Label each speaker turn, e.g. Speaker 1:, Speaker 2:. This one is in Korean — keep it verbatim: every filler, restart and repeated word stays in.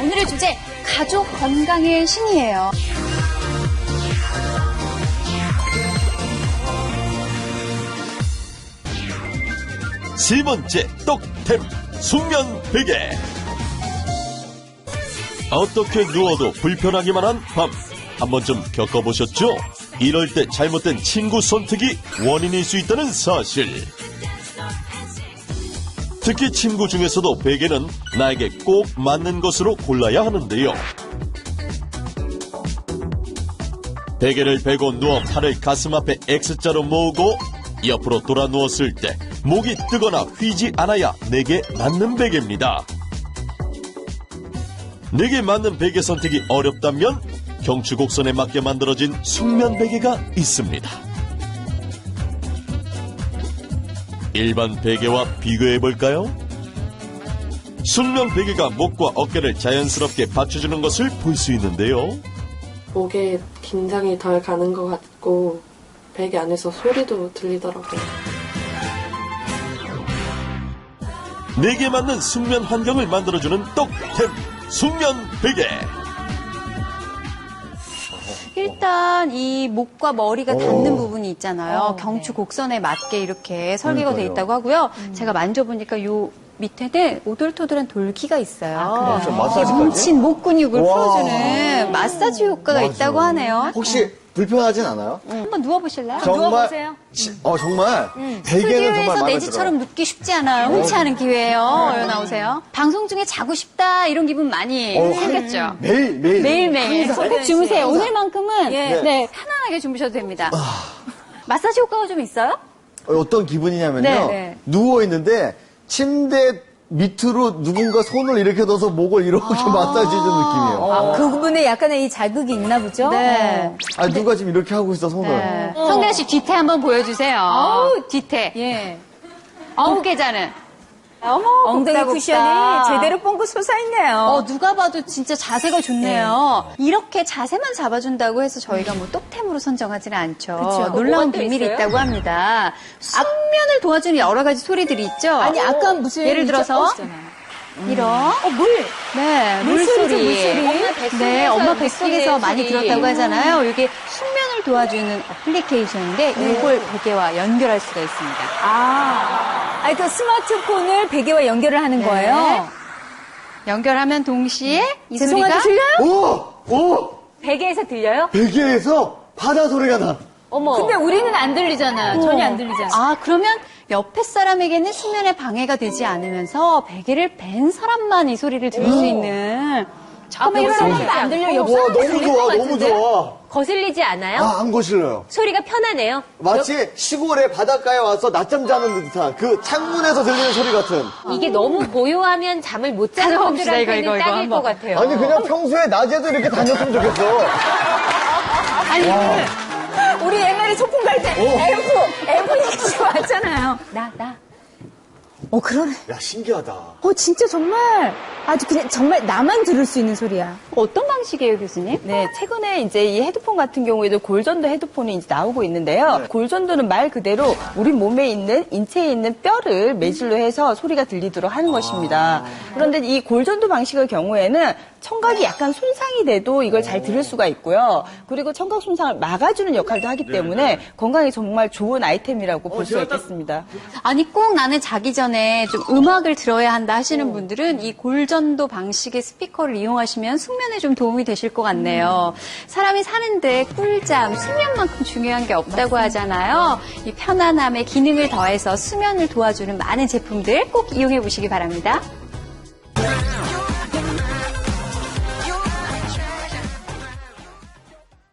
Speaker 1: 오늘의 주제, 가족 건강의 신이에요.
Speaker 2: 세 번째 떡템, 숙면 베개. 어떻게 누워도 불편하기만 한 밤, 한 번쯤 겪어보셨죠? 이럴 때 잘못된 침구 선택이 원인일 수 있다는 사실. 특히 침구 중에서도 베개는 나에게 꼭 맞는 것으로 골라야 하는데요. 베개를 베고 누워 팔을 가슴 앞에 X자로 모으고 옆으로 돌아 누웠을 때 목이 뜨거나 휘지 않아야 내게 맞는 베개입니다. 내게 맞는 베개 선택이 어렵다면 경추 곡선에 맞게 만들어진 숙면 베개가 있습니다. 일반 베개와 비교해볼까요? 숙면 베개가 목과 어깨를 자연스럽게 받쳐주는 것을 볼 수 있는데요.
Speaker 3: 목에 긴장이 덜 가는 것 같고 베개 안에서 소리도 들리더라고요.
Speaker 2: 내게 맞는 숙면 환경을 만들어주는 떡템, 숙면 베개.
Speaker 1: 일단 이 목과 머리가 닿는 부분이 있잖아요.
Speaker 4: 어,
Speaker 1: 경추
Speaker 4: 네.
Speaker 1: 곡선에 맞게 이렇게 설계가 돼
Speaker 5: 그러니까요.
Speaker 1: 있다고 하고요. 제가 만져보니까 요 밑에는 오돌토돌한 돌기가 있어요.
Speaker 4: 아, 그래요?
Speaker 5: 저 마사지까지?
Speaker 1: 뭉친 목 근육을
Speaker 5: 와.
Speaker 1: 풀어주는 마사지 효과가
Speaker 5: 맞아.
Speaker 1: 있다고 하네요.
Speaker 5: 혹시 불편하진 않아요?
Speaker 1: 한번 누워보실래요?
Speaker 5: 정말,
Speaker 4: 누워보세요.
Speaker 5: 지- 어, 정말. 베개는 정말
Speaker 1: 스튜디오에서
Speaker 5: 마음에
Speaker 1: 내지처럼
Speaker 5: 들어요.
Speaker 1: 눕기 쉽지 않아요. 흔치 않은 기회예요. 얼른 나오세요. 방송 중에 자고 싶다 이런 기분 많이
Speaker 5: 어,
Speaker 1: 생겼죠.
Speaker 5: 매일, 매일.
Speaker 1: 매일매일 꼭 주무세요. 오늘만큼은
Speaker 4: 예.
Speaker 1: 네, 편안하게 주무셔도 됩니다. 마사지 효과가 좀 있어요?
Speaker 5: 어, 어떤 기분이냐면요.
Speaker 1: 네, 네.
Speaker 5: 누워있는데 침대 밑으로 누군가 손을 이렇게 넣어서 목을 이렇게 마사지 해주는 느낌이에요.
Speaker 4: 아, 그 부분에 약간의 이 자극이 있나 보죠?
Speaker 1: 네.
Speaker 5: 아, 누가 지금 이렇게 하고 있어, 손을.
Speaker 1: 네. 성대하 씨 뒤태 한번 보여주세요.
Speaker 4: 아우,
Speaker 1: 뒤태.
Speaker 4: 예.
Speaker 1: 아홉 개자는. 어머,
Speaker 4: 엉덩이
Speaker 1: 곱다,
Speaker 4: 쿠션이
Speaker 1: 곱다.
Speaker 4: 제대로 뻥긋 솟아있네요.
Speaker 1: 어, 누가 봐도 진짜 자세가 좋네요. 이렇게 자세만 잡아준다고 해서 저희가 뭐 똑템으로 선정하지는 않죠.
Speaker 4: 그쵸.
Speaker 1: 놀라운
Speaker 4: 뭐가 또
Speaker 1: 비밀이
Speaker 4: 있어요?
Speaker 1: 있다고 합니다. 숙면을 도와주는 여러 가지 소리들이 있죠.
Speaker 4: 아니, 아까 무슨.
Speaker 1: 예를 들어서 이런
Speaker 4: 어, 물.
Speaker 1: 네,
Speaker 4: 물소리죠,
Speaker 1: 물소리.
Speaker 4: 물소리.
Speaker 1: 엄마 뱃속에서, 네, 엄마 뱃속에서 많이 들었다고 하잖아요. 이게 숙면을 도와주는 어플리케이션인데 이걸 베개와 연결할 수가 있습니다.
Speaker 4: 아. 아니, 그 스마트폰을 베개와 연결을 하는
Speaker 1: 네.
Speaker 4: 거예요?
Speaker 1: 연결하면 동시에 이
Speaker 4: 죄송한데
Speaker 1: 소리가
Speaker 4: 들려요?
Speaker 5: 오! 오!
Speaker 4: 베개에서 들려요?
Speaker 5: 베개에서 바다 소리가 나.
Speaker 4: 어머. 근데 우리는 안 들리잖아요. 전혀 안 들리잖아요.
Speaker 1: 아, 그러면 옆에 사람에게는 수면에 방해가 되지 않으면서 베개를 벤 사람만 이 소리를 들을 수 있는. 잠깐만,
Speaker 4: 옆
Speaker 1: 일어나면
Speaker 4: 사람도 안 들려. 옆
Speaker 5: 와,
Speaker 4: 사람도
Speaker 5: 너무
Speaker 4: 들릴
Speaker 5: 좋아,
Speaker 4: 것
Speaker 5: 너무
Speaker 4: 같은데?
Speaker 5: 좋아.
Speaker 6: 거슬리지 않아요?
Speaker 5: 아, 안 거실려요.
Speaker 6: 소리가 편하네요.
Speaker 5: 마치 시골에 바닷가에 와서 낮잠 자는 듯한 그 창문에서 들리는 소리 같은.
Speaker 6: 이게 너무 고요하면 잠을 못 자는
Speaker 1: 찾아봅시다, 이거,
Speaker 6: 분들한테는
Speaker 1: 이거, 이거
Speaker 6: 딱일
Speaker 1: 한번.
Speaker 6: 것 같아요.
Speaker 5: 아니, 그냥 평소에 낮에도 이렇게 다녔으면 좋겠어.
Speaker 4: 아니, 우리 옛날에 소풍 갈 때 앰프, 앰프 얘기하고 왔잖아요. 나, 나. 어, 그러네.
Speaker 5: 야, 신기하다.
Speaker 4: 어, 진짜 정말 아주 그냥 정말 나만 들을 수 있는 소리야.
Speaker 1: 어떤 방식이에요, 교수님?
Speaker 7: 네, 최근에 이제 이 헤드폰 같은 경우에도 골전도 헤드폰이 이제 나오고 있는데요.
Speaker 5: 네.
Speaker 7: 골전도는 말 그대로 우리 몸에 있는, 인체에 있는 뼈를 매질로 해서 소리가 들리도록 하는 것입니다. 그런데 이 골전도 방식의 경우에는 청각이 약간 손상이 돼도 이걸 잘 들을 수가 있고요. 그리고 청각 손상을 막아주는 역할도 하기 때문에 건강에 정말 좋은 아이템이라고 볼 수가 있겠습니다.
Speaker 1: 아니, 꼭 나는 자기 전에 좀 음악을 들어야 한다 하시는 분들은 이 골전도 방식의 스피커를 이용하시면 숙면에 좀 도움이 되실 것 같네요. 사람이 사는데 꿀잠, 수면만큼 중요한 게 없다고 하잖아요. 이 편안함에 기능을 더해서 수면을 도와주는 많은 제품들 꼭 이용해 보시기 바랍니다.